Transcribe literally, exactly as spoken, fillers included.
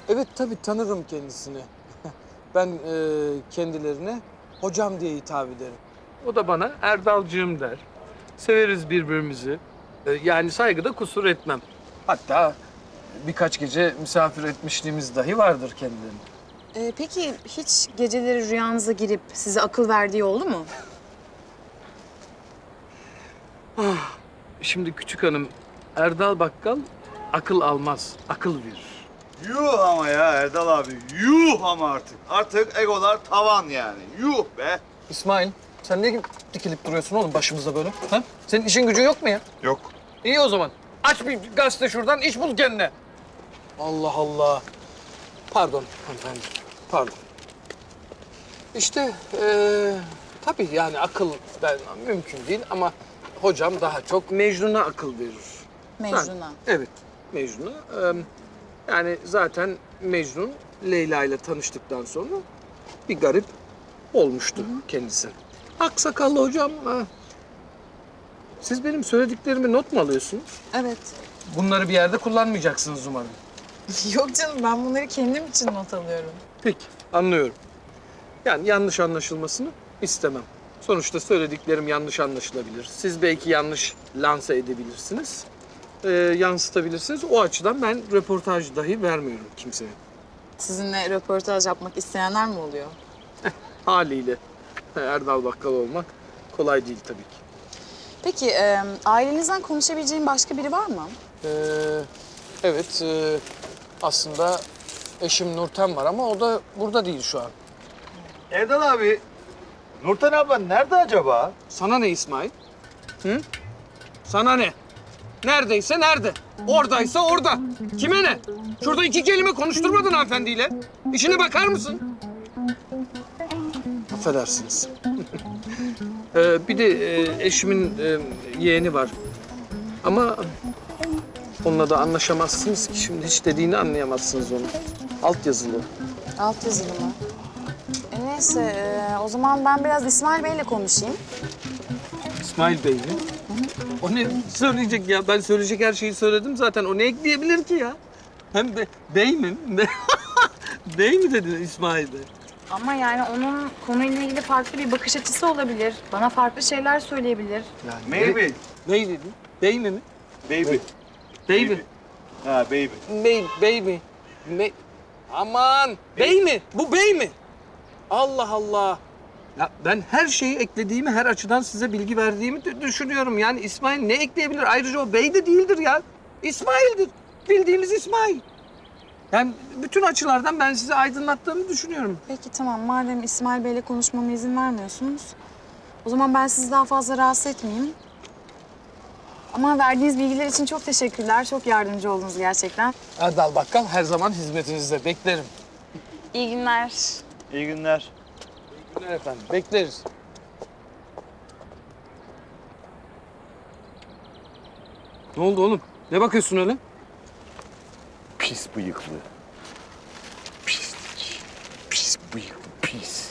Evet tabii tanırım kendisini. Ben e, kendilerine hocam diye hitap ederim. O da bana Erdalcığım der. Severiz birbirimizi. E, yani saygıda kusur etmem. Hatta birkaç gece misafir etmişliğimiz dahi vardır kendilerine. Ee, peki hiç geceleri rüyanıza girip size akıl verdiği oldu mu? Şimdi küçük hanım, Erdal Bakkal akıl almaz, akıl verir. Yuh ama ya Erdal abi. Yuh ama artık. Artık egolar tavan yani. Yuh be. İsmail, sen niye dikilip duruyorsun oğlum başımıza böyle? Ha? Senin işin gücün yok mu ya? Yok. İyi o zaman. Aç bir gazete şuradan, iş bul kendine. Allah Allah. Pardon hanımefendi, pardon. İşte ee, tabii yani akıl ben, mümkün değil ama hocam daha çok Mecnun'a akıl verir. Mecnun'a. Ha, evet, Mecnun'a. Ee, yani zaten Mecnun Leyla ile tanıştıktan sonra bir garip olmuştu kendisi. Aksakallı hocam, ha. Siz benim söylediklerimi not mu alıyorsunuz? Evet. Bunları bir yerde kullanmayacaksınız umarım. Yok canım, ben bunları kendim için not alıyorum. Peki, anlıyorum. Yani yanlış anlaşılmasını istemem. Sonuçta söylediklerim yanlış anlaşılabilir. Siz belki yanlış lanse edebilirsiniz, ee, yansıtabilirsiniz. O açıdan ben röportaj dahi vermiyorum kimseye. Sizinle röportaj yapmak isteyenler mi oluyor? Haliyle Erdal Bakkal olmak kolay değil tabii ki. Peki e, ailenizden konuşabileceğim başka biri var mı? Ee, evet, e, aslında eşim Nurten var ama o da burada değil şu an. Erdal abi. Nurten abla nerede acaba? Sana ne İsmail? Hı? Sana ne? Neredeyse nerede? Oradaysa orada. Kime ne? Şurada iki kelime konuşturmadın hanımefendiyle. İşine bakar mısın? Affedersiniz. ee, bir de e, eşimin e, yeğeni var. Ama onunla da anlaşamazsınız ki. Şimdi hiç dediğini anlayamazsınız onu. Alt yazılı. Alt yazılı mı? E, neyse, e, o zaman ben biraz İsmail Bey'le konuşayım. İsmail Bey mi? O ne söyleyecek ya? Ben söyleyecek her şeyi söyledim zaten. O ne ekleyebilir ki ya? Hem be, bey mi? Bey mi dedin İsmail Bey? Ama yani onun konuyla ilgili farklı bir bakış açısı olabilir. Bana farklı şeyler söyleyebilir. Yani Maybe. Bey dedin. Bey mi mi? Baby. Bey mi? Ha baby. Bey, bey mi? Bey... Aman! Bey mi? Bu bey mi? Allah Allah! Ya ben her şeyi eklediğimi, her açıdan size bilgi verdiğimi dü- düşünüyorum. Yani İsmail ne ekleyebilir? Ayrıca o bey de değildir ya. İsmail'dir. Bildiğimiz İsmail. Yani bütün açılardan ben size aydınlattığımı düşünüyorum. Peki tamam, madem İsmail Bey'le konuşmama izin vermiyorsunuz, o zaman ben sizi daha fazla rahatsız etmeyeyim. Ama verdiğiniz bilgiler için çok teşekkürler. Çok yardımcı oldunuz gerçekten. Erdal Bakkal her zaman hizmetinizde. Beklerim. İyi günler. İyi günler. İyi günler efendim. Bekleriz. Ne oldu oğlum? Ne bakıyorsun öyle? Pis bıyıklı. Pislik. Pis bıyıklı pis.